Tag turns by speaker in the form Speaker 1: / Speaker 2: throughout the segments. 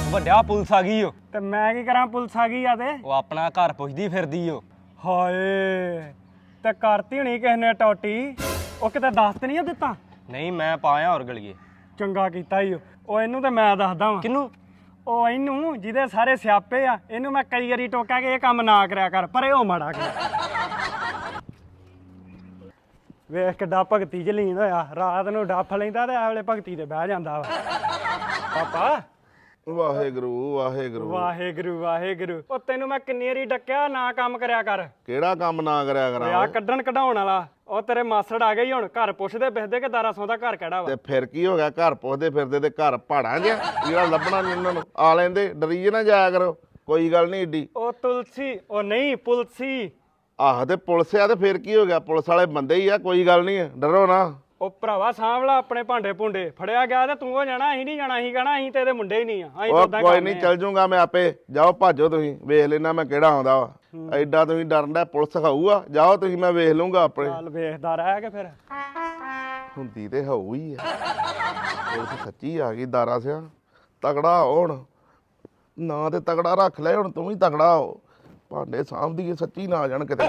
Speaker 1: ਵੱਡਿਆ ਪੁਲਿਸ ਆ ਗਈ ਓ।
Speaker 2: ਤੇ ਮੈਂ ਕੀ ਕਰਾਂ, ਪੁਲਿਸ ਆ ਗਈ ਆ ਤੇ
Speaker 1: ਉਹ ਆਪਣਾ ਘਰ ਪੁੱਛਦੀ ਫਿਰਦੀ ਓ।
Speaker 2: ਹਾਏ ਤੇ ਕਰਤੀ ਹੋਣੀ ਕਿਸੇ ਨੇ ਟੋਟੀ। ਉਹ ਕਿਤੇ ਦੱਸ ਤੇ ਨਹੀਂ ਦਿੱਤਾ?
Speaker 1: ਨਹੀਂ ਮੈਂ ਪਾਇਆ ਹੋਰ ਗਲੀਏ।
Speaker 2: ਚੰਗਾ ਕੀਤਾ ਈ ਉਹ। ਇਹਨੂੰ ਤੇ ਮੈਂ ਦੱਸਦਾ ਵਾਂ।
Speaker 1: ਕਿਹਨੂੰ?
Speaker 2: ਉਹ ਇਹਨੂੰ ਜਿਹਦੇ ਸਾਰੇ ਸਿਆਪੇ ਆ, ਇਹਨੂੰ ਮੈਂ ਕਈ ਵਾਰੀ ਟੋਕਿਆ ਕਿ ਇਹ ਕੰਮ ਨਾ ਕਰਿਆ ਕਰ, ਪਰ ਇਹ ਉਹ ਮਾੜਾ ਕਰ। ਵੇਖ ਕਿੱਡਾ ਭਗਤੀ ਚ ਲੀਨ ਹੋਇਆ। ਰਾਤ ਨੂੰ ਡੱਫ ਲੈਂਦਾ ਤੇ ਇਹ ਵੇਲੇ ਭਗਤੀ ਤੇ ਬਹਿ ਜਾਂਦਾ ਵਾ। ਪਾਪਾ
Speaker 3: ਵਾਹਿਗੁਰੂ ਵਾਹਿਗੁਰੂ
Speaker 2: ਵਾਹਿਗੁਰੂ ਵਾਹਿਗੁਰੂ। ਉਹ ਤੈਨੂੰ ਮੈਂ ਕਿੰਨੀ ਵਾਰੀ ਡੱਕਿਆ ਨਾ ਕੰਮ ਕਰਿਆ ਕਰ।
Speaker 3: ਕਿਹੜਾ ਕੰਮ ਨਾ ਕਰਿਆ
Speaker 2: ਆ
Speaker 3: ਕਰਾਂ
Speaker 2: ਕੱਢਣ ਕਢਾਉਣ ਵਾਲਾ। ਉਹ ਤੇਰੇ ਮਾਸੜ ਆ ਗਏ ਹੁਣ। ਘਰ ਪੁੱਛਦੇ ਪਿੱਛਦੇ ਕਿ ਦਾਰਾ ਸੌਂ ਦਾ ਘਰ ਕਿਹੜਾ ਵਾ।
Speaker 3: ਤੇ ਫਿਰ ਕੀ ਹੋ ਗਿਆ? ਘਰ ਪੁੱਛਦੇ ਫਿਰਦੇ ਤੇ ਘਰ ਪਹਾੜਾਂ ਜਿਹਾ ਜਿਹੜਾ ਲੱਭਣਾ ਨੀ ਉਹਨਾਂ ਨੂੰ। ਆ ਲੈਂਦੇ, ਡਰੀ ਨਾ ਜਾਇਆ ਕਰੋ, ਕੋਈ ਗੱਲ ਨਹੀਂ ਏਡੀ।
Speaker 2: ਉਹ ਤੁਲਸੀ, ਉਹ ਨਹੀਂ ਪੁਲਸੀ।
Speaker 3: ਆਹ ਤੇ ਪੁਲਿਸ ਆ ਤੇ ਫਿਰ ਕੀ ਹੋ ਗਿਆ? ਪੁਲਿਸ ਵਾਲੇ ਬੰਦੇ ਹੀ ਆ, ਕੋਈ ਗੱਲ ਨਹੀਂ, ਡਰੋ ਨਾ।
Speaker 2: ਉਹ ਭਰਾਵਾ ਸਾਂਭਲਾ ਆਪਣੇ ਭਾਂਡੇ ਭੁੰਡੇ। ਫੜਿਆ ਗਿਆ ਤੇ ਤੂੰ ਹੋ ਜਾਣਾ, ਅਸੀਂ ਨਹੀਂ ਜਾਣਾ। ਅਸੀਂ ਕਹਿਣਾ ਅਸੀਂ ਤੇ ਇਹਦੇ ਮੁੰਡੇ ਹੀ ਨਹੀਂ ਆ। ਅਸੀਂ
Speaker 3: ਉਹ
Speaker 2: ਤਾਂ
Speaker 3: ਕੋਈ ਨਹੀਂ, ਚੱਲ ਜੂਗਾ ਮੈਂ ਆਪੇ। ਜਾਓ ਭਾਜੋ, ਤੁਸੀਂ ਵੇਖ ਲੈਣਾ ਮੈਂ ਕਿਹੜਾ ਆਉਂਦਾ ਵਾ। ਐਡਾ ਤੁਸੀਂ ਡਰਨ ਦਾ, ਪੁਲਿਸ ਖਾਊਗਾ। ਜਾਓ ਤੁਸੀਂ, ਮੈਂ ਵੇਖ ਲੂੰਗਾ ਆਪਣੇ।
Speaker 2: ਚੱਲ ਵੇਖਦਾ ਰਹਿ ਕੇ ਫਿਰ।
Speaker 3: ਹੁੰਦੀ ਤੇ ਹੋਊ ਹੀ ਆ। ਪੁਲਿਸ ਸੱਚੀ ਆ ਗਈ ਦਾਰਾ ਸਿਆ। ਤਗੜਾ ਹੁਣ ਨਾ ਤੇ ਤਗੜਾ ਰੱਖ ਲੈ, ਹੁਣ ਤੂੰ ਵੀ ਤਗੜਾ ਹੋ। ਭਾਂਡੇ ਸਾਂਭਦੀ ਸੱਚੀ ਨਾ ਆ ਜਾਣ ਕਿਤੇ।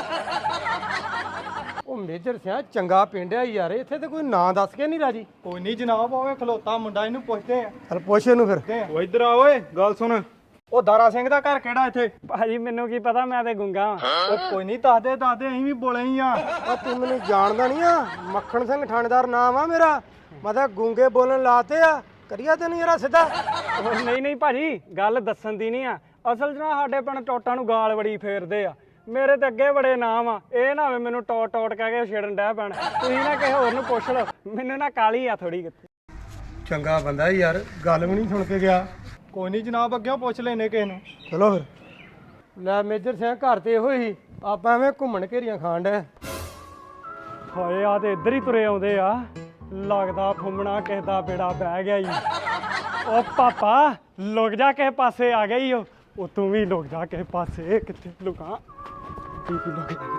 Speaker 4: ਉਹ ਮੇਜਰ ਸਿਆ ਚੰਗਾ ਪਿੰਡ ਆ ਯਾਰ, ਇੱਥੇ ਤੇ ਕੋਈ ਨਾਂ ਦੱਸ ਕੇ ਨਹੀਂ ਰਾਜੀ।
Speaker 2: ਕੋਈ ਨਹੀਂ ਜਨਾਬ, ਹੋਵੇ ਖਲੋਤਾ ਮੁੰਡਾ, ਇਹਨੂੰ ਪੁੱਛਦੇ ਆ।
Speaker 4: ਚਲ ਪੁੱਛ ਇਹਨੂੰ ਫਿਰ।
Speaker 2: ਉਹ ਇੱਧਰ ਆ ਓਏ, ਗੱਲ ਸੁਣ। ਉਹ ਦਾਰਾ ਸਿੰਘ ਦਾ ਘਰ ਕਿਹੜਾ ਇੱਥੇ? ਭਾਜੀ ਮੈਨੂੰ ਕੀ ਪਤਾ, ਮੈਂ ਤੇ ਗੁੰਗਾ ਵਾਂ। ਉਹ ਕੋਈ ਨਹੀਂ, ਦੱਸਦੇ ਅਸੀਂ ਵੀ ਬੋਲੇ ਹੀ ਆ।
Speaker 4: ਉਹ ਤੂੰ ਮੈਨੂੰ ਜਾਣਦਾ ਨਹੀਂ ਆ? ਮੱਖਣ ਸਿੰਘ ਥਾਣੇਦਾਰ ਨਾਮ ਆ ਮੇਰਾ। ਮੈਂ ਤਾਂ ਗੂੰਗੇ ਬੋਲਣ ਲਾਤੇ ਆ। ਕਰੀਆ ਤੈਨੂੰ ਯਾਰਾ ਸਿੱਧਾ।
Speaker 2: ਉਹ ਨਹੀਂ ਭਾਜੀ, ਗੱਲ ਦੱਸਣ ਦੀ ਨਹੀਂ ਆ। ਅਸਲ 'ਚ ਨਾ ਸਾਡੇ ਪਿੰਡ ਟੋਟਾਂ ਨੂੰ ਗਾਲ ਬੜੀ ਫੇਰਦੇ ਆ। ਮੇਰੇ ਤੇ ਅੱਗੇ ਬੜੇ ਨਾਮ ਆ। ਇਹ ਨਾ ਹੋਵੇ ਮੈਨੂੰ ਟੋਟ ਕਹਿ ਕੇ ਛੇੜਨ ਡਹਿ ਪੈਣ। ਤੁਸੀਂ ਨਾ ਕਿਸੇ ਹੋਰ ਨੂੰ ਪੁੱਛ ਲਓ, ਮੈਨੂੰ ਨਾ ਕਾਲੀ ਆ ਥੋੜੀ ਕਿਤੇ।
Speaker 4: ਚੰਗਾ ਬੰਦਾ ਯਾਰ, ਗੱਲ ਵੀ ਨਹੀਂ ਸੁਣ ਕੇ ਗਿਆ।
Speaker 2: ਕੋਈ ਨਹੀਂ ਜਨਾਬ, ਅੱਗੇ ਪੁੱਛ ਲੈਨੇ ਕਿਸੇ ਨੂੰ।
Speaker 4: ਚਲੋ ਫਿਰ। ਲੈ ਮੇਜਰ ਸਿਆ, ਘਰ ਤੇ ਇਹੋ ਹੀ। ਆਪਾਂ ਐਵੇਂ ਘੁੰਮਣ ਘੇਰੀਆਂ ਖਾਣ ਡਏ।
Speaker 2: ਹਾਏ ਆ ਤੇ ਇੱਧਰ ਹੀ ਤੁਰੇ ਆਉਂਦੇ ਆ। ਲੱਗਦਾ ਫੁੰਮਣਾ ਕਿਸੇ ਦਾ ਬੇੜਾ ਬਹਿ ਗਿਆ ਈ। ਉਹ ਪਾਪਾ ਲੁਕ ਜਾ, ਕਿਸੇ ਪਾਸੇ ਆ ਗਈ। ਉਹ ਤੂੰ ਵੀ ਲੁਕ ਜਾ ਕਿਸੇ ਪਾਸੇ। ਕਿੱਥੇ ਲੁਕਾਂ? ਕੀ ਲੁਕ ਜਾ।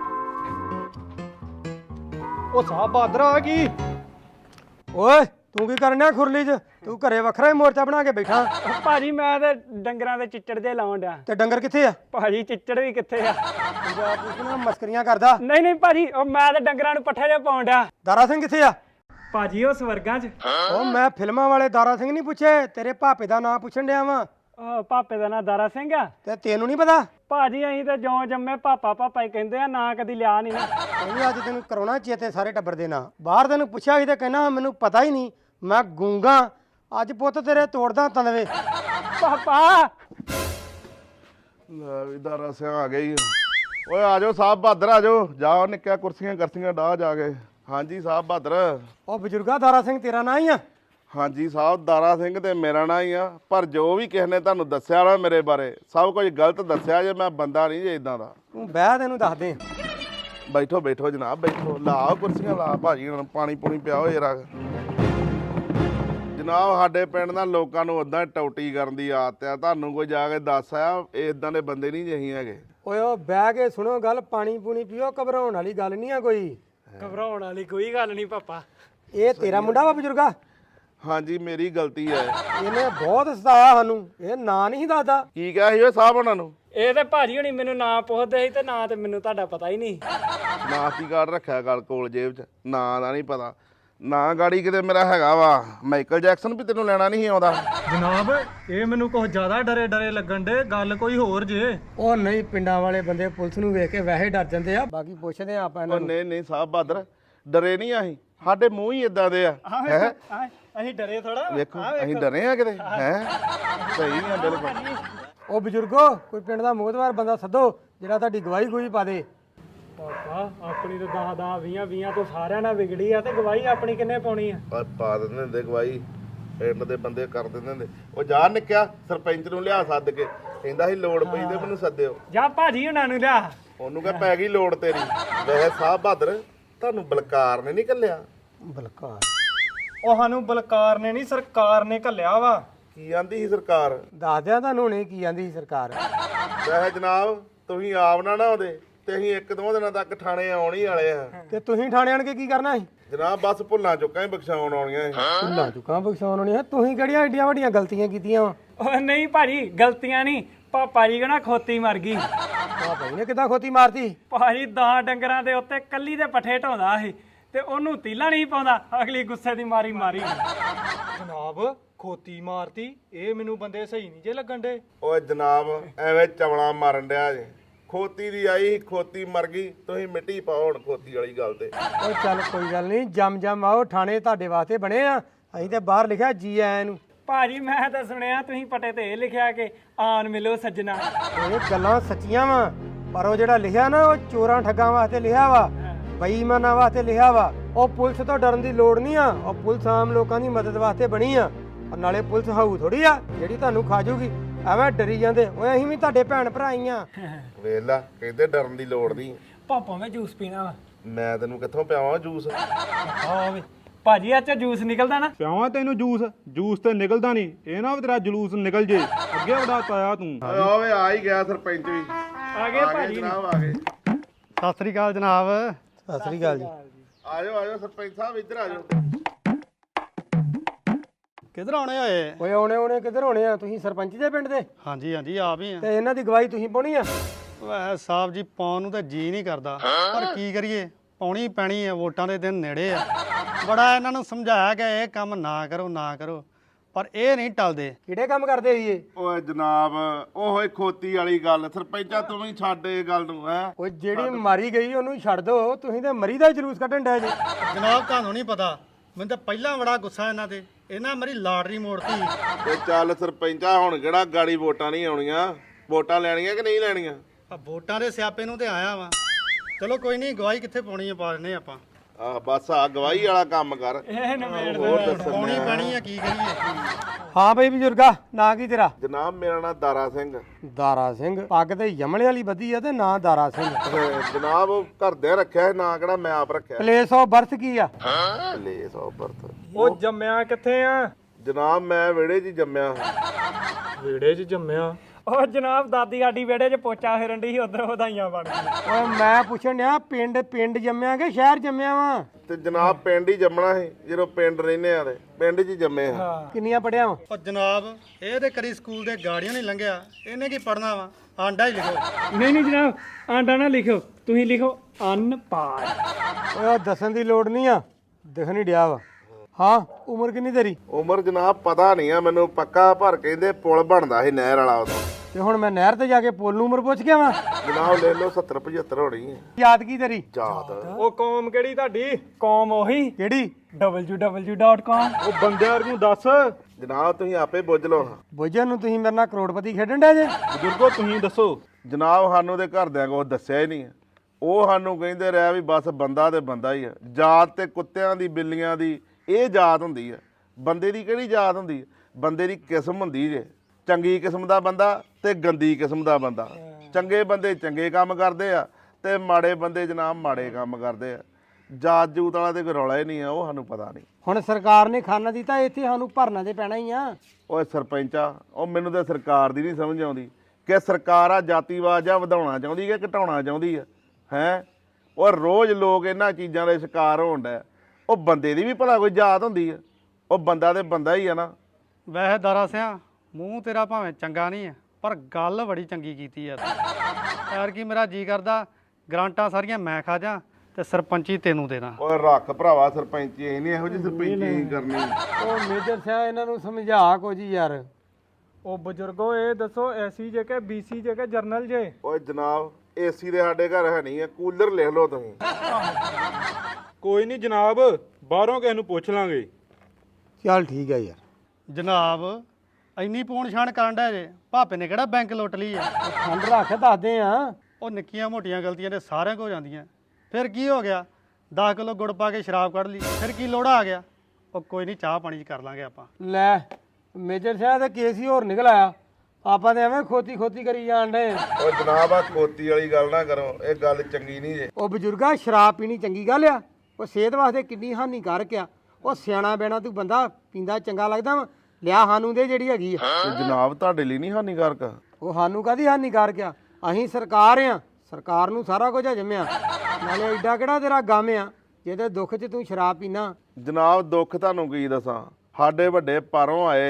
Speaker 2: ਉਹ ਸਾਹਿਬ ਬਹਾਦਰ ਆ ਗਈ।
Speaker 4: ਓਏ ਤੂੰ ਕੀ ਕਰਨਿਆ ਖੁਰਲੀ 'ਚ? ਤੂੰ ਘਰੇ ਵੱਖਰਾ ਹੀ ਮੋਰਚਾ ਬਣਾ ਕੇ ਬੈਠਾ।
Speaker 2: ਭਾਜੀ ਮੈਂ ਤੇ ਡੰਗਰਾਂ ਦੇ ਚਿੱਚੜ ਜੇ ਲਾਉਣ ਡਿਆ।
Speaker 4: ਤੇ ਡੰਗਰ ਕਿੱਥੇ ਆ?
Speaker 2: ਭਾਜੀ ਚਿੱਚੜ ਵੀ ਕਿੱਥੇ ਆ?
Speaker 4: ਪੰਜਾਬ ਪੁਲਿਸ ਨਾਲ ਮਸਕਰੀਆਂ ਕਰਦਾ।
Speaker 2: ਨਹੀਂ ਭਾਜੀ, ਉਹ ਮੈਂ ਤੇ ਡੰਗਰਾਂ ਨੂੰ ਪੱਠੇ ਜੇ ਪਾਉਣ ਡਿਆ।
Speaker 4: ਦਾਰਾ ਸਿੰਘ ਕਿੱਥੇ ਆ?
Speaker 2: ਭਾਜੀ ਉਹ ਸਵਰਗਾਂ 'ਚ।
Speaker 4: ਉਹ ਮੈਂ ਫਿਲਮਾਂ ਵਾਲੇ ਦਾਰਾ ਸਿੰਘ ਨਹੀਂ ਪੁੱਛੇ, ਤੇਰੇ ਭਾਪੇ ਦਾ ਨਾਂ ਪੁੱਛਣ ਡਿਆ ਵਾਂ।
Speaker 2: ਪਾਪੇ ਦਾ ਨਾਂ ਦਾਰਾ ਸਿੰਘ ਆ।
Speaker 4: ਤੇ ਤੈਨੂੰ ਨਹੀਂ ਪਤਾ?
Speaker 2: ਭਾਜੀ ਅਸੀਂ ਤੇ ਜਿਉਂ ਜੰਮੇ ਪਾਪਾ ਹੀ ਕਹਿੰਦੇ ਆ, ਨਾਂ ਕਦੀ ਲਿਆ ਨਹੀਂ ਨਾ।
Speaker 4: ਕਹਿੰਦੀ ਅੱਜ ਤੈਨੂੰ ਕਰਾਉਣਾ ਚੇਤੇ ਸਾਰੇ ਟੱਬਰ ਦੇ ਨਾਂ। ਬਾਹਰ ਤੈਨੂੰ ਪੁੱਛਿਆ ਸੀ ਤੇ ਕਹਿਣਾ ਮੈਨੂੰ ਪਤਾ ਹੀ ਨਹੀਂ, ਮੈਂ ਗੂੰਗਾ। ਅੱਜ ਪੁੱਤ ਤੇਰੇ ਤੋੜਦਾ ਤਨਵੇ।
Speaker 2: ਪਾਪਾ
Speaker 3: ਲੈ ਵੀ ਦਾਰਾ ਸਿਆ ਆ ਗਈ। ਓਏ ਆ ਜਾਓ ਸਾਹਿਬ ਬਹਾਦਰ, ਆ ਜਾਓ। ਜਾਓ ਨਿੱਕਿਆ, ਕੁਰਸੀਆਂ ਕਰਸੀਆਂ ਡਾਹ ਜਾ ਕੇ। ਹਾਂਜੀ ਸਾਹਿਬ ਬਹਾਦਰ।
Speaker 4: ਉਹ ਬਜ਼ੁਰਗਾ ਦਾਰਾ ਸਿੰਘ ਤੇਰਾ ਨਾਂ ਹੀ ਆ?
Speaker 3: ਹਾਂਜੀ ਸਾਹਿਬ, ਦਾਰਾ ਸਿੰਘ ਤੇ ਮੇਰਾ ਨਾਂ ਹੀ ਆ। ਪਰ ਜੋ ਵੀ ਕਿਸੇ ਨੇ ਤੁਹਾਨੂੰ ਦੱਸਿਆ ਨਾ ਮੇਰੇ ਬਾਰੇ, ਸਭ ਕੁਝ ਗਲਤ ਦੱਸਿਆ ਜੇ। ਮੈਂ ਬੰਦਾ ਨਹੀਂ ਜੇ ਇਦਾਂ ਦਾ।
Speaker 4: ਤੂੰ ਬਹਿ, ਤੈਨੂੰ ਦੱਸਦੇ।
Speaker 3: ਬੈਠੋ ਬੈਠੋ ਜਨਾਬ, ਬੈਠੋ। ਲਾਓ ਕੁਰਸੀਆਂ, ਲਾ ਭਾਜੀ ਹੁਣ ਪਾਣੀ ਪੂਣੀ ਪਿਆਓ ਜਰਾ। ਜਨਾਬ ਸਾਡੇ ਪਿੰਡ ਨਾਲ ਲੋਕਾਂ ਨੂੰ ਉਦਾਂ ਟੌਟੀ ਕਰਨ ਦੀ ਆਦਤ ਆ। ਤੁਹਾਨੂੰ ਕੋਈ ਜਾ ਕੇ ਦੱਸ ਆਇਆ, ਇਹ ਇਦਾਂ ਦੇ ਬੰਦੇ ਨਹੀਂ ਜਿਹੀ ਹੈਗੇ।
Speaker 4: ਓਏ ਉਹ ਬਹਿ ਕੇ ਸੁਣੋ ਗੱਲ, ਪਾਣੀ ਪੂਣੀ ਪੀਓ। ਘਬਰਾਉਣ ਵਾਲੀ ਗੱਲ ਨਹੀਂ ਆ ਕੋਈ।
Speaker 2: ਘਬਰਾਉਣ ਵਾਲੀ ਕੋਈ ਗੱਲ ਨਹੀਂ ਪਾਪਾ।
Speaker 4: ਇਹ ਤੇਰਾ ਮੁੰਡਾ ਵਾ ਬਜ਼ੁਰਗਾ?
Speaker 3: ਹਾਂਜੀ ਮੇਰੀ ਗਲਤੀ ਹੈ।
Speaker 4: ਇਹਨੇ ਬਹੁਤ ਸਤਾਇਆ ਸਾਨੂੰ। ਇਹ ਨਾਂ ਨਹੀਂ ਦੱਸਦਾ।
Speaker 3: ਕੀ ਕਿਹਾ ਸੀ ਓਏ ਸਾਹਿਬ ਉਹਨਾਂ ਨੂੰ?
Speaker 2: ਇਹ ਤੇ ਭਾਜੀ ਹੁਣੀ ਮੈਨੂੰ ਨਾਂ ਪੁੱਛਦੇ ਸੀ ਤੇ ਨਾਂ ਤੇ ਮੈਨੂੰ ਤੁਹਾਡਾ ਪਤਾ ਹੀ ਨਹੀਂ।
Speaker 3: ਨਾਸਤੀ ਕਾਰਡ ਰੱਖਿਆ ਗੱਲ ਕੋਲ ਜੇਬ 'ਚ, ਨਾਂ ਦਾ ਨਹੀਂ ਪਤਾ। ਨਾਂ ਗਾੜੀ ਕਿਤੇ ਮੇਰਾ ਹੈਗਾ ਵਾ ਮਾਈਕਲ ਜੈਕਸਨ, ਵੀ ਤੈਨੂੰ ਲੈਣਾ ਨਹੀਂ ਆਉਂਦਾ।
Speaker 2: ਜਨਾਬ ਇਹ ਮੈਨੂੰ ਕੁਝ ਜ਼ਿਆਦਾ ਡਰੇ ਲੱਗਣ ਦੇ। ਗੱਲ ਕੋਈ ਹੋਰ ਜੇ।
Speaker 4: ਉਹ ਨਹੀਂ, ਪਿੰਡਾਂ ਵਾਲੇ ਬੰਦੇ ਪੁਲਿਸ ਨੂੰ ਵੇਖ ਕੇ ਵੈਸੇ ਡਰ ਜਾਂਦੇ ਆ। ਬਾਕੀ ਪੁੱਛਦੇ ਆ ਆਪਾਂ ਇਹਨਾਂ
Speaker 3: ਉਹ
Speaker 4: ਨੂੰ।
Speaker 3: ਨਹੀਂ ਸਾਹਿਬ ਬਹਾਦਰ, ਡਰੇ ਨਹੀਂ ਅਸੀਂ। ਸਾਡੇ ਮੂੰਹ ਹੀ ਇਦਾਂ ਦੇ ਆ। ਹੈ
Speaker 2: ਅਸੀਂ ਡਰੇ ਥੋੜਾ।
Speaker 3: ਵੇਖੋ ਅਸੀਂ ਡਰੇ ਆ ਕਿਤੇ? ਹੈ ਸਹੀ ਆ ਬਿਲਕੁਲ।
Speaker 4: ਉਹ ਬਜ਼ੁਰਗੋ, ਕੋਈ ਪਿੰਡ ਦਾ ਮੋਹਤਵਾਰ ਬੰਦਾ ਸੱਦੋ ਜਿਹੜਾ ਤੁਹਾਡੀ ਗਵਾਹੀ ਪਾ ਦੇ।
Speaker 2: ਪਾਪਾ ਆਪਣੀ ਤਾਂ 10 20 ਤੋਂ ਸਾਰਿਆਂ ਨਾਲ ਵਿਗੜੀ ਆ, ਤੇ ਗਵਾਹੀ ਆਪਣੀ ਕਿੰਨੇ ਪਾਉਣੀ ਆ?
Speaker 3: ਪਾ ਦਿੰਦੇ ਹੁੰਦੇ ਗਵਾਹੀ, ਪਿੰਡ ਦੇ ਬੰਦੇ ਕਰ ਦਿੰਦੇ ਹੁੰਦੇ। ਉਹ ਜਾ ਨਿੱਕਿਆ, ਸਰਪੰਚ ਨੂੰ ਲਿਆ ਸੱਦ ਕੇ। ਕਹਿੰਦਾ ਸੀ ਲੋੜ ਪਈ ਤੇ ਮੈਨੂੰ ਸੱਦਿਓ।
Speaker 2: ਜਾ ਭਾਜੀ ਹੁਣਾਂ ਨੂੰ ਲਿਆ।
Speaker 3: ਉਹਨੂੰ ਕਹ ਪੈ ਗਈ ਲੋੜ ਤੇਰੀ। ਵੈਸੇ ਸਾਹਿਬ ਬਹਾਦਰ, ਤੁਹਾਨੂੰ ਬਲਕਾਰ ਨੇ ਨਹੀਂ ਘੱਲਿਆ?
Speaker 4: ਬਲਕਾਰ?
Speaker 2: ਉਹ ਸਾਨੂੰ ਬਲਕਾਰ ਨੇ ਨਹੀਂ, ਸਰਕਾਰ ਨੇ ਘੱਲਿਆ ਵਾ।
Speaker 3: ਕੀ ਆਂਦੀ ਸੀ ਸਰਕਾਰ?
Speaker 4: ਦੱਸ ਦਿਆਂ ਤੁਹਾਨੂੰ ਹੁਣੇ ਕੀ ਆਂਦੀ ਸੀ ਸਰਕਾਰ।
Speaker 3: ਵੈਸੇ ਜਨਾਬ ਤੁਸੀਂ ਆਪ ਨਾ ਆਉਂਦੇ ਤੇ ਅਸੀਂ 1-2 ਦਿਨਾਂ ਤੱਕ ਥਾਣੇ ਆਉਣ ਹੀ ਵਾਲੇ ਆ।
Speaker 4: ਤੇ ਤੁਸੀਂ ਥਾਣੇ ਆਣ ਕੇ ਕੀ ਕਰਨਾ ਸੀ?
Speaker 3: ਜਨਾਬ ਬਸ ਭੁੱਲਾਂ ਚੁੱਕਾਂ ਹੀ ਬਖਸ਼ਾਉਣ ਆਉਣੀਆਂ ਸੀ।
Speaker 4: ਭੁੱਲਾਂ ਚੁੱਕਾਂ ਬਖਸ਼ਾਉਣ ਹੋਣੀ ਆ? ਤੁਸੀਂ ਕਿਹੜੀਆਂ ਏਡੀਆਂ ਵੱਡੀਆਂ ਗਲਤੀਆਂ ਕੀਤੀਆਂ ਵਾ?
Speaker 2: ਉਹ ਨਹੀਂ ਭਾਜੀ ਗਲਤੀਆਂ ਨਹੀਂ, ਪਾਪਾ ਜੀ ਕਹਣਾ ਖੋਤੀ ਮਰ ਗਈ।
Speaker 4: ਭਾਈ ਨੇ ਕਿਦਾਂ ਖੋਤੀ ਮਾਰਤੀ?
Speaker 2: ਭਾਜੀ 10 ਡੰਗਰਾਂ ਦੇ ਉੱਤੇ ਕੱਲੀ ਦੇ ਪੱਠੇ ਢਾਉਂਦਾ ਸੀ ਤੇ ਉਹਨੂੰ ਤੀਲਾ ਨਹੀਂ ਪਾਉਂਦਾ, ਅਗਲੀ ਗੁੱਸੇ ਦੀ ਮਾਰੀ
Speaker 5: ਜਨਾਬ ਖੋਤੀ ਮਾਰਤੀ, ਇਹ ਮੈਨੂੰ ਬੰਦੇ ਸਹੀ ਨਹੀਂ ਜੇ ਲੱਗਣ ਦੇ।
Speaker 3: ਓਏ ਜਨਾਬ ਐਵੇਂ ਚਵਲਾ ਮਾਰਨ ਡਿਆ ਜੇ। ਖੋਤੀ ਦੀ ਆਈ ਖੋਤੀ ਮਰ ਗਈ, ਤੁਸੀਂ ਮਿੱਟੀ ਪਾਓ ਹੁਣ ਖੋਤੀ ਵਾਲੀ ਗੱਲ ਤੇ।
Speaker 4: ਉਹ ਚੱਲ ਕੋਈ ਗੱਲ ਨਹੀਂ, ਜਮ ਆਓ, ਥਾਣੇ ਤੁਹਾਡੇ ਵਾਸਤੇ ਬਣੇ ਆ। ਅਸੀਂ ਤੇ ਬਾਹਰ ਲਿਖਿਆ ਜੀ ਆਇਆਂ ਨੂੰ।
Speaker 2: ਭਾਜੀ ਮੈਂ ਤਾਂ ਸੁਣਿਆ ਤੁਸੀਂ ਪੱਟੇ ਤੇ ਇਹ ਲਿਖਿਆ ਕਿ ਆਣ ਮਿਲੋ ਸੱਜਣਾ।
Speaker 4: ਇਹ ਗੱਲਾਂ ਸੱਚੀਆਂ ਵਾ, ਪਰ ਉਹ ਜਿਹੜਾ ਲਿਖਿਆ ਨਾ ਉਹ ਚੋਰਾਂ ਠੱਗਾਂ ਵਾਸਤੇ ਲਿਖਿਆ ਵਾ, ਬੇਈਮਾਨਾਂ ਵਾਸਤੇ ਲਿਖਿਆ ਵਾ। ਉਹ ਪੁਲਿਸ ਤੋਂ ਡਰਨ ਦੀ ਲੋੜ ਨਹੀਂ ਆ, ਉਹ ਪੁਲਿਸ ਆਮ ਲੋਕਾਂ ਦੀ ਮਦਦ ਵਾਸਤੇ ਬਣੀ ਆ। ਔਰ ਨਾਲੇ ਪੁਲਿਸ ਹਾਊ ਥੋੜੀ ਆ ਜਿਹੜੀ ਤੁਹਾਨੂੰ ਖਾ ਜੂਗੀ। ਐਵੇਂ ਡਰੀ ਜਾਂਦੇ, ਓਏ ਅਸੀਂ ਵੀ ਤੁਹਾਡੇ ਭੈਣ ਭਰਾ ਹੀ ਆ।
Speaker 3: ਵੇਖ ਲਾ ਕਹਿੰਦੇ ਡਰਨ ਦੀ ਲੋੜ ਨਹੀਂ।
Speaker 2: ਪਾਪਾ ਮੈਂ ਜੂਸ ਪੀਣਾ ਵਾ।
Speaker 3: ਮੈਂ ਤੈਨੂੰ ਕਿੱਥੋਂ ਪਿਆਵਾਂ ਜੂਸ?
Speaker 2: ਆਵੇ ਭਾਜੀ ਅੱਜ ਜੂਸ ਨਿਕਲਦਾ ਨਾ।
Speaker 5: ਪਿਆਵਾਂ ਤੈਨੂੰ ਜੂਸ ਤੇ ਨਿਕਲਦਾ ਨਹੀਂ, ਇਹ ਨਾ ਵੀ ਤੇਰਾ ਜਲੂਸ ਨਿਕਲ ਜੇ। ਅੱਗੇ ਵੜਾ ਤਾਇਆ ਤੂੰ।
Speaker 3: ਓਏ ਆ ਹੀ ਗਿਆ ਸਰਪੰਚ ਵੀ।
Speaker 2: ਆ ਗਏ ਭਾਜੀ।
Speaker 3: ਜਨਾਬ ਆ ਗਏ।
Speaker 5: ਸਤਿ ਸ੍ਰੀ ਅਕਾਲ ਜਨਾਬ।
Speaker 4: ਸਤਿ ਸ੍ਰੀ ਅਕਾਲ ਜੀ।
Speaker 3: ਆਜੋ ਸਰਪੰਚ ਸਾਹਿਬ ਇੱਧਰ ਆਜੋ।
Speaker 5: ਕਿੱਧਰ ਆਉਣੇ ਹੋਏ?
Speaker 4: ਓਏ ਆਉਣੇ ਕਿੱਧਰ ਹੋਣੇ ਆ? ਤੁਸੀਂ ਸਰਪੰਚ ਦੇ ਪਿੰਡ ਦੇ
Speaker 5: ਹਾਂਜੀ ਆਪ ਹੀ ਆ।
Speaker 4: ਤੇ ਇਹਨਾਂ ਦੀ ਗਵਾਹੀ ਤੁਸੀਂ ਪਾਉਣੀ ਆ?
Speaker 5: ਵੈਸੇ ਸਾਹਿਬ ਜੀ ਪਾਉਣ ਨੂੰ ਤਾਂ ਜੀ ਨਹੀਂ ਕਰਦਾ, ਪਰ ਕੀ ਕਰੀਏ, ਪਾਉਣੀ ਪੈਣੀ ਆ। ਵੋਟਾਂ ਦੇ ਦਿਨ ਨੇੜੇ ਆ। ਬੜਾ ਇਹਨਾਂ ਨੂੰ ਸਮਝਾਇਆ ਕਿ ਇਹ ਕੰਮ ਨਾ ਕਰੋ, ਪਰ ਇਹ ਨਹੀਂ ਟਲਦੇ।
Speaker 4: ਕਿਹੜੇ ਕੰਮ ਕਰਦੇ ਸੀ ਇਹ?
Speaker 3: ਓਏ ਜਨਾਬ ਉਹ ਖੋਤੀ ਵਾਲੀ ਗੱਲ। ਸਰਪੰਚਾ ਤੂੰ ਵੀ ਛੱਡ ਇਹ ਗੱਲ ਨੂੰ। ਹੈ
Speaker 4: ਓਏ ਜਿਹੜੀ ਮਾਰੀ ਗਈ ਉਹਨੂੰ ਛੱਡ ਦੋ, ਤੁਸੀਂ ਤੇ ਮਰੀ ਦਾ ਜਲੂਸ ਕੱਢਣ ਡਏ ਜੇ।
Speaker 5: ਜਨਾਬ ਤੁਹਾਨੂੰ ਨਹੀਂ ਪਤਾ, ਮੈਨੂੰ ਤਾਂ ਪਹਿਲਾਂ ਬੜਾ ਗੁੱਸਾ ਇਹਨਾਂ ਤੇ। ਇਹਨਾਂ ਮੇਰੀ ਲਾਟਰੀ ਮੋੜਤੀ।
Speaker 3: ਤੇ ਚੱਲ ਸਰਪੰਚਾ ਹੁਣ ਕਿਹੜਾ ਗਾੜੀ ਵੋਟਾਂ ਨਹੀਂ ਆਉਣੀਆਂ? ਵੋਟਾਂ ਲੈਣੀਆਂ ਕਿ ਨਹੀਂ ਲੈਣੀਆਂ?
Speaker 5: ਆ ਵੋਟਾਂ ਦੇ ਸਿਆਪੇ ਨੂੰ ਤੇ ਆਇਆ ਵਾਂ। ਚਲੋ ਕੋਈ ਨਹੀਂ, ਗਵਾਹੀ ਕਿੱਥੇ ਪਾਉਣੀ ਆ, ਪਾ ਦਿੰਦੇ ਆਪਾਂ।
Speaker 3: ਆਹ ਬਸ ਆ ਗਵਾਹੀ ਵਾਲਾ ਕੰਮ ਕਰ।
Speaker 2: ਇਹ ਨਵੇੜ
Speaker 3: ਹੋਰ ਦੱਸਣ
Speaker 5: ਪਾਉਣੀ
Speaker 3: ਡਿਆ।
Speaker 5: ਪੈਣੀ ਆ, ਕੀ ਕਰੀਏ।
Speaker 4: ਹਾਂ ਬਈ ਬਜ਼ੁਰਗਾ, ਨਾਂ ਕੀ ਤੇਰਾ?
Speaker 3: ਜਨਾਬ ਮੇਰਾ ਨਾਮ ਦਾਰਾ ਸਿੰਘ।
Speaker 4: ਦਾਰਾ ਸਿੰਘ। ਪੱਗ ਤੇ ਯਮਲੇ ਵਾਲੀ ਬੱਧੀ ਆ ਤੇ ਨਾਂ ਦਾਰਾ ਸਿੰਘ।
Speaker 3: ਜਨਾਬ ਉਹ ਘਰਦਿਆਂ ਰੱਖਿਆ ਹੈ, ਨਾਂ ਕਿਹੜਾ ਮੈਂ ਆਪ ਰੱਖਿਆ।
Speaker 4: ਪਲੇਸ ਆਫ ਬਰਥ ਕੀ ਆ?
Speaker 3: Place of birth.
Speaker 2: ਉਹ ਜੰਮਿਆ ਕਿੱਥੇ ਆ?
Speaker 3: ਜਨਾਬ ਮੈਂ ਵਿਹੜੇ 'ਚ ਹੀ ਜੰਮਿਆ।
Speaker 5: ਵਿਹੜੇ 'ਚ ਜੰਮਿਆ?
Speaker 2: ਉਹ ਜਨਾਬ ਦਾਦੀ ਸਾਡੀ ਵਿਹੜੇ 'ਚ ਪੋਚਾ ਫੇਰਨ ਦੀ ਸੀ, ਉਧਰ ਵਧਾਈਆਂ ਬਣ ਗਈਆਂ।
Speaker 4: ਓਏ ਮੈਂ ਪੁੱਛਣ ਡਿਆ, ਪਿੰਡ ਜੰਮਿਆ ਕਿ ਸ਼ਹਿਰ ਜੰਮਿਆ ਵਾ?
Speaker 3: ਤੇ ਜਨਾਬ ਪਿੰਡ ਹੀ ਜੰਮਣਾ ਸੀ, ਜਦੋਂ ਪਿੰਡ ਰਹਿੰਦੇ ਆ ਤੇ ਪਿੰਡ 'ਚ ਹੀ ਜੰਮੇ ਆ।
Speaker 4: ਕਿੰਨੀਆਂ ਪੜਿਆ ਵਾ?
Speaker 5: ਉਹ ਜਨਾਬ ਇਹ ਤੇ ਕਰੀ ਸਕੂਲ ਦੇ ਗਾੜੀਆਂ ਨਹੀਂ ਲੰਘਿਆ, ਇਹਨੇ ਕੀ ਪੜਨਾ ਵਾ? ਆਂਡਾ ਹੀ ਲਿਖੋ।
Speaker 2: ਨਹੀਂ ਜਨਾਬ, ਆਂਡਾ ਨਾ ਲਿਖੋ, ਤੁਸੀਂ ਲਿਖੋ ਅਨਪਾੜ।
Speaker 4: ਓਏ ਉਹ ਦੱਸਣ ਦੀ ਲੋੜ ਨਹੀਂ ਆ, ਦਿਖ ਨਹੀਂ ਡਿਆ ਵਾ। ਹਾਂ ਉਮਰ ਕਿੰਨੀ ਤੇਰੀ?
Speaker 3: ਉਮਰ ਜਨਾਬ ਪਤਾ ਨਹੀਂ ਆ ਮੈਨੂੰ ਪੱਕਾ, ਪਰ ਕਹਿੰਦੇ ਪੁਲ ਬਣਦਾ ਸੀ ਨਹਿਰ ਵਾਲਾ ਉਦੋਂ।
Speaker 4: ਤੇ ਹੁਣ ਮੈਂ ਨਹਿਰ ਤੇ ਜਾ ਕੇ ਪੁੱਲ ਨੂੰ ਉਮਰ ਪੁੱਛ ਗਿਆ ਵਾ?
Speaker 3: ਜਨਾਬ ਲੈ ਲਓ 70 75 ਹੋਣੀ ਹੈ।
Speaker 4: ਯਾਦ ਕੀ ਤੇਰੀ?
Speaker 3: ਯਾਦ
Speaker 2: ਉਹ ਕੌਮ ਕਿਹੜੀ ਤੁਹਾਡੀ? ਕੌਮ ਉਹੀ
Speaker 4: ਕਿਹੜੀ?
Speaker 2: www.com।
Speaker 5: ਉਹ ਬੰਦਿਆਂ ਨੂੰ ਦੱਸ।
Speaker 3: ਜਨਾਬ ਤੁਸੀਂ ਆਪੇ ਬੁੱਝ ਲਓ।
Speaker 4: ਬੁੱਝਣ ਨੂੰ ਤੁਸੀਂ ਮੇਰੇ ਨਾਲ ਕਰੋੜਪਤੀ ਖੇਡਣ ਡਿਆ ਜੇ?
Speaker 5: ਬਜ਼ੁਰਗੋ ਤੁਸੀਂ ਦੱਸੋ।
Speaker 3: ਜਨਾਬ ਸਾਨੂੰ ਦੇ ਘਰਦਿਆਂ ਕੋਲ ਦੱਸਿਆ ਹੀ ਨਹੀਂ ਹੈ। ਉਹ ਸਾਨੂੰ ਕਹਿੰਦੇ ਰਿਹਾ ਵੀ ਬਸ ਬੰਦਾ ਤੇ ਬੰਦਾ ਹੀ ਆ। ਜਾਤ ਤੇ ਕੁੱਤਿਆਂ ਦੀ ਬਿੱਲੀਆਂ ਦੀ ਇਹ ਜਾਤ ਹੁੰਦੀ ਆ, ਬੰਦੇ ਦੀ ਕਿਹੜੀ ਜਾਤ ਹੁੰਦੀ? ਬੰਦੇ ਦੀ ਕਿਸਮ ਹੁੰਦੀ ਜੇ, ਚੰਗੀ ਕਿਸਮ ਦਾ ਬੰਦਾ ਤੇ ਗੰਦੀ ਕਿਸਮ ਦਾ ਬੰਦਾ। ਚੰਗੇ ਬੰਦੇ ਚੰਗੇ ਕੰਮ ਕਰਦੇ ਆ ਤੇ ਮਾੜੇ ਬੰਦੇ ਜਨਾਬ ਮਾੜੇ ਕੰਮ ਕਰਦੇ ਆ। ਜਾਤ ਜੂਤ ਵਾਲਾ ਤੇ ਕੋਈ ਰੌਲਾ ਹੀ ਨਹੀਂ ਆ, ਉਹ ਸਾਨੂੰ ਪਤਾ ਨਹੀਂ।
Speaker 4: ਹੁਣ ਸਰਕਾਰ ਨੇ ਖਾਨਾ ਦਿੱਤਾ, ਇੱਥੇ ਸਾਨੂੰ ਭਰਨਾ ਤੇ ਪੈਣਾ ਹੀ ਆ।
Speaker 3: ਓਏ ਸਰਪੰਚਾ ਉਹ ਮੈਨੂੰ ਤਾਂ ਸਰਕਾਰ ਦੀ ਨਹੀਂ ਸਮਝ ਆਉਂਦੀ ਕਿ ਸਰਕਾਰ ਆ ਜਾਤੀਵਾਦ ਜਾਂ ਵਧਾਉਣਾ ਚਾਹੁੰਦੀ ਕਿ ਘਟਾਉਣਾ ਚਾਹੁੰਦੀ ਆ। ਹੈ ਉਹ ਰੋਜ਼ ਲੋਕ ਇਹਨਾਂ ਚੀਜ਼ਾਂ ਦੇ ਸ਼ਿਕਾਰ ਹੋਣ ਡਿਆ। ਉਹ ਬੰਦੇ ਦੀ ਵੀ ਭਲਾ ਕੋਈ ਜਾਤ ਹੁੰਦੀ ਆ? ਉਹ ਬੰਦਾ ਤੇ ਬੰਦਾ ਹੀ ਆ ਨਾ।
Speaker 5: ਵੈਸੇ ਦਾਰਾ ਸਿਆ ਮੂੰਹ ਤੇਰਾ ਭਾਵੇਂ ਚੰਗਾ ਨਹੀਂ ਹੈ, ਪਰ ਗੱਲ ਬੜੀ ਚੰਗੀ ਕੀਤੀ ਆ। ਯਾਰ ਕੀ ਮੇਰਾ ਜੀ ਕਰਦਾ ਗਰਾਂਟਾਂ ਸਾਰੀਆਂ ਮੈਂ ਖਾ ਜਾ ਤੇ ਸਰਪੰਚੀ ਤੈਨੂੰ ਦੇਣਾ।
Speaker 3: ਓਏ ਰੱਖ ਭਰਾਵਾ ਸਰਪੰਚੀ, ਇਹ ਨਹੀਂ ਇਹੋ ਜਿਹੀ ਸਰਪੰਚੀ ਕਰਨੀ।
Speaker 4: ਉਹ ਮੇਜਰ ਸਿਆ ਇਹਨਾਂ ਨੂੰ ਸਮਝਾ ਕੁਝ ਯਾਰ।
Speaker 2: ਉਹ ਬਜ਼ੁਰਗੋ ਇਹ ਦੱਸੋ ਐਸੀ ਜੇ ਕਿ ਬੀਸੀ ਜੇ ਕਿ ਜਰਨਲ ਜੇ?
Speaker 3: ਓਏ ਜਨਾਬ ਏਸੀ ਦੇ ਸਾਡੇ ਘਰ ਹੈ ਨਹੀਂ ਆ, ਕੂਲਰ ਲਿਖ ਲਓ ਤੁਸੀਂ।
Speaker 5: ਕੋਈ ਨਹੀਂ ਜਨਾਬ, ਬਾਹਰੋਂ ਕਿਸੇ ਨੂੰ ਪੁੱਛ ਲਾਂਗੇ।
Speaker 4: ਚੱਲ ਠੀਕ ਹੈ ਯਾਰ।
Speaker 5: ਜਨਾਬ ਇੰਨੀ ਪੂਣ ਛਾਣ ਕਰਨ ਦਾ ਜੇ, ਭਾਪੇ ਨੇ ਕਿਹੜਾ ਬੈਂਕ ਲੁੱਟ ਲਈ ਆ?
Speaker 4: ਠੰਡ ਰੱਖ ਦੱਸਦੇ ਆ।
Speaker 5: ਉਹ ਨਿੱਕੀਆਂ ਮੋਟੀਆਂ ਗਲਤੀਆਂ ਤੇ ਸਾਰਿਆਂ ਕੋ ਜਾਂਦੀਆਂ। ਫਿਰ ਕੀ ਹੋ ਗਿਆ? 10 ਕਿਲੋ ਗੁੜ ਪਾ ਕੇ ਸ਼ਰਾਬ ਕੱਢ ਲਈ, ਫਿਰ ਕੀ ਲੋੜਾ ਆ ਗਿਆ? ਉਹ ਕੋਈ ਨਹੀਂ, ਚਾਹ ਪਾਣੀ ਚ ਕਰ ਲਾਂਗੇ ਆਪਾਂ।
Speaker 4: ਲੈ ਮੇਜਰ ਸਿਆ ਦਾ ਕੇਸ ਹੀ ਹੋਰ ਨਿਕਲ ਆਇਆ। ਆਪਾਂ ਤੇ ਐਵੇਂ ਖੋਤੀ ਕਰੀ ਜਾਣ ਡੇ।
Speaker 3: ਓ ਜਨਾਬ ਆ ਖੋਤੀ ਵਾਲੀ ਗੱਲ ਨਾ ਕਰੋ, ਇਹ ਗੱਲ ਚੰਗੀ ਨਹੀਂ ਜੇ।
Speaker 4: ਉਹ ਬਜ਼ੁਰਗਾ ਸ਼ਰਾਬ ਪੀਣੀ ਚੰਗੀ ਗੱਲ ਆ? ਉਹ ਸਿਹਤ ਵਾਸਤੇ ਕਿੰਨੀ ਹਾਨੀਕਾਰਕ ਆ। ਉਹ ਸਿਆਣਾ ਬੈਣਾ ਤੂੰ ਬੰਦਾ ਪੀਂਦਾ ਚੰਗਾ ਲੱਗਦਾ ਵਾ? ਲਿਆ ਸਾਨੂੰ ਦੇ ਜਿਹੜੀ ਹੈਗੀ ਆ।
Speaker 3: ਤੇ ਜਨਾਬ ਤੁਹਾਡੇ ਲਈ ਨਹੀਂ ਹਾਨੀਕਾਰਕ?
Speaker 4: ਉਹ ਸਾਨੂੰ ਕਾਹਦੀ ਹਾਨੀਕਾਰਕ ਆ? ਅਸੀਂ ਸਰਕਾਰ ਆ, ਸਰਕਾਰ ਨੂੰ ਸਾਰਾ ਕੁਝ ਹਜਮਿਆ। ਨਾਲੇ ਐਡਾ ਕਿਹੜਾ ਤੇਰਾ ਗਮ ਆ ਜਿਹਦੇ ਦੁੱਖ 'ਚ ਤੂੰ ਸ਼ਰਾਬ ਪੀਣਾ?
Speaker 3: ਜਨਾਬ ਦੁੱਖ ਤੁਹਾਨੂੰ ਕੀ ਦੱਸਾਂ, ਸਾਡੇ ਵੱਡੇ ਪਰੋਂ ਆਏ ਸੀ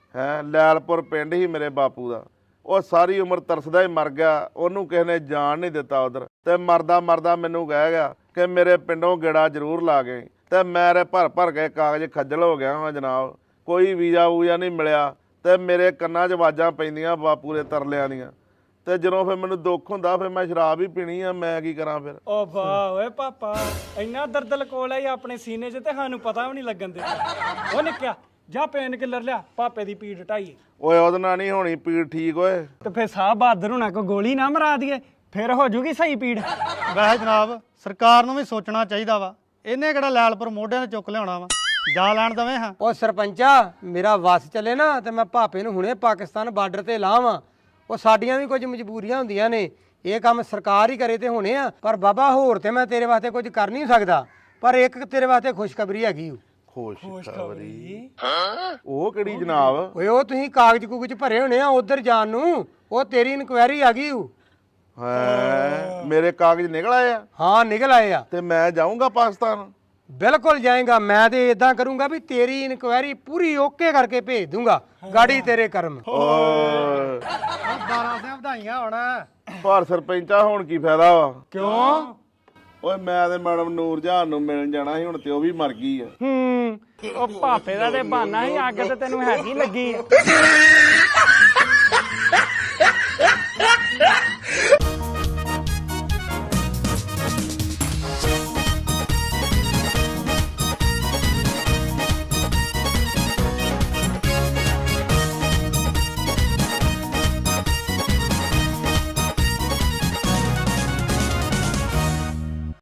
Speaker 3: ਹੈ ਲੈਲਪੁਰ ਪਿੰਡ ਹੀ ਮੇਰੇ ਬਾਪੂ ਦਾ। ਉਹ ਸਾਰੀ ਉਮਰ ਤਰਸਦਾ ਹੀ ਮਰ ਗਿਆ, ਉਹਨੂੰ ਕਿਸੇ ਨੇ ਜਾਣ ਨਹੀਂ ਦਿੱਤਾ ਉਧਰ। ਤੇ ਮਰਦਾ ਮਰਦਾ ਮੈਨੂੰ ਕਹਿ ਗਿਆ ਕਿ ਮੇਰੇ ਪਿੰਡੋਂ ਗੇੜਾ ਜ਼ਰੂਰ ਲਾ ਗਏ। ਤੇ ਮੇਰੇ ਭਰ ਕੇ ਕਾਗਜ਼ ਖੱਜਲ ਹੋ ਗਿਆ ਵਾਂ ਜਨਾਬ, ਕੋਈ ਵੀਜ਼ਾ ਵੂਜ਼ਾ ਨਹੀਂ ਮਿਲਿਆ। ਤੇ ਮੇਰੇ ਕੰਨਾਂ 'ਚ ਆਵਾਜ਼ਾਂ ਪੈਂਦੀਆਂ ਬਾਪੂ ਦੇ ਤਰਲਿਆਂ ਦੀਆਂ। ਤੇ ਜਦੋਂ ਫਿਰ ਮੈਨੂੰ ਦੁੱਖ ਹੁੰਦਾ ਫਿਰ ਮੈਂ ਸ਼ਰਾਬ ਹੀ ਪੀਣੀ ਆ, ਮੈਂ ਕੀ ਕਰਾਂ ਫਿਰ।
Speaker 2: ਓ ਵਾਹ ਓਏ ਪਾਪਾ, ਇੰਨਾ ਦਰਦ ਲਕੋਲ ਆਈ ਆਪਣੇ ਸੀਨੇ 'ਚ ਤੇ ਸਾਨੂੰ ਪਤਾ ਵੀ ਨਹੀਂ ਲੱਗਣ ਦਿੱਤਾ। ਉਹ ਨਿੱਕਿਆ ਜਾ ਪੇਨ ਕਿਲਰ ਲਿਆ, ਪਾਪੇ ਦੀ ਪੀੜ ਢਾਈਏ।
Speaker 3: ਓਏ ਉਹਦੇ ਨਾਲ ਨਹੀਂ ਹੋਣੀ ਪੀੜ ਠੀਕ ਓਏ।
Speaker 2: ਤੇ ਫਿਰ ਸਾਹ ਬਹਾਦਰ ਹੋਣਾ ਕੋ ਗੋਲੀ ਨਾ ਮਰਾ ਦਈਏ, ਫਿਰ ਹੋ ਜੂਗੀ ਸਹੀ ਪੀੜ।
Speaker 5: ਵੈਸੇ ਜਨਾਬ ਸਰਕਾਰ ਨੂੰ ਵੀ ਸੋਚਣਾ ਚਾਹੀਦਾ ਵਾ, ਇਹਨੇ ਕਿਹੜਾ ਲੈਲਪੁਰ ਮੋਢਿਆਂ ਤੇ ਚੁੱਕ ਲਿਆਉਣਾ ਵਾ, ਜਾ ਲੈਣ ਦਵੇਂ ਹਾਂ।
Speaker 4: ਉਹ ਸਰਪੰਚਾ, ਮੇਰਾ ਵਸ ਚੱਲੇ ਨਾ ਤੇ ਮੈਂ ਭਾਪੇ ਨੂੰ ਹੁਣੇ ਪਾਕਿਸਤਾਨ ਬਾਰਡਰ ਤੇ ਲਾਵਾਂ। ਉਹ ਸਾਡੀਆਂ ਵੀ ਕੁਝ ਮਜਬੂਰੀਆਂ ਹੁੰਦੀਆਂ ਨੇ, ਇਹ ਕੰਮ ਸਰਕਾਰ ਹੀ ਕਰੇ ਤੇ ਹੋਣੇ ਆ। ਪਰ ਬਾਬਾ ਹੋਰ ਤੇ ਮੈਂ ਤੇਰੇ ਵਾਸਤੇ ਕੁਝ ਕਰ ਨਹੀਂ ਸਕਦਾ, ਪਰ ਇੱਕ ਤੇਰੇ ਵਾਸਤੇ ਖੁਸ਼ਖਬਰੀ ਹੈਗੀ।
Speaker 3: ਖੁਸ਼ਖਬਰੀ? ਉਹ ਕਿਹੜੀ ਜਨਾਬ?
Speaker 4: ਓਏ ਉਹ ਤੁਸੀਂ ਕਾਗਜ਼ ਕੁਗਜ਼ ਭਰੇ ਹੋਣੇ ਆ ਉਧਰ ਜਾਣ ਨੂੰ, ਉਹ ਤੇਰੀ ਇਨਕੁਆਇਰੀ ਆ ਗਈ।
Speaker 3: ਹੈ ਮੇਰੇ ਕਾਗਜ਼ ਨਿਕਲ ਆਏ ਆ?
Speaker 4: ਹਾਂ ਨਿਕਲ ਆਏ ਆ।
Speaker 3: ਤੇ ਮੈਂ ਜਾਊਂਗਾ ਪਾਕਿਸਤਾਨ?
Speaker 4: ਬਿਲਕੁਲ ਜਾਏਗਾ। ਮੈਂ ਤੇ ਇਦਾਂ ਕਰੂੰਗਾ ਵੀ ਤੇਰੀ ਇਨਕੁਆਇਰੀ ਪੂਰੀ ਓਕੇ ਕਰਕੇ ਭੇਜ ਦੂੰਗਾ, ਗਾੜੀ ਤੇਰੇ ਕਰਮ।
Speaker 3: ਓਏ
Speaker 5: 12 ਸੇ ਵਧਾਈਆਂ ਹੋਣਾ।
Speaker 3: ਪਰ ਸਰਪੰਚਾ ਹੁਣ ਕੀ ਫਾਇਦਾ ਵਾ?
Speaker 4: ਕਿਉਂ?
Speaker 3: ਓਏ ਮੈਂ ਤੇ ਮੈਡਮ ਨੂਰਜਹਾਨ ਨੂੰ ਮਿਲਣ ਜਾਣਾ ਸੀ, ਹੁਣ ਤੇ ਉਹ ਵੀ ਮਰ ਗਈ ਆ।
Speaker 2: ਉਹ ਪਾਪੇ ਦਾ ਤੇ ਬਹਾਨਾ ਹੀ, ਅੱਗ ਤੇ ਤੈਨੂੰ ਹੈਗੀ ਲੱਗੀ ਆ।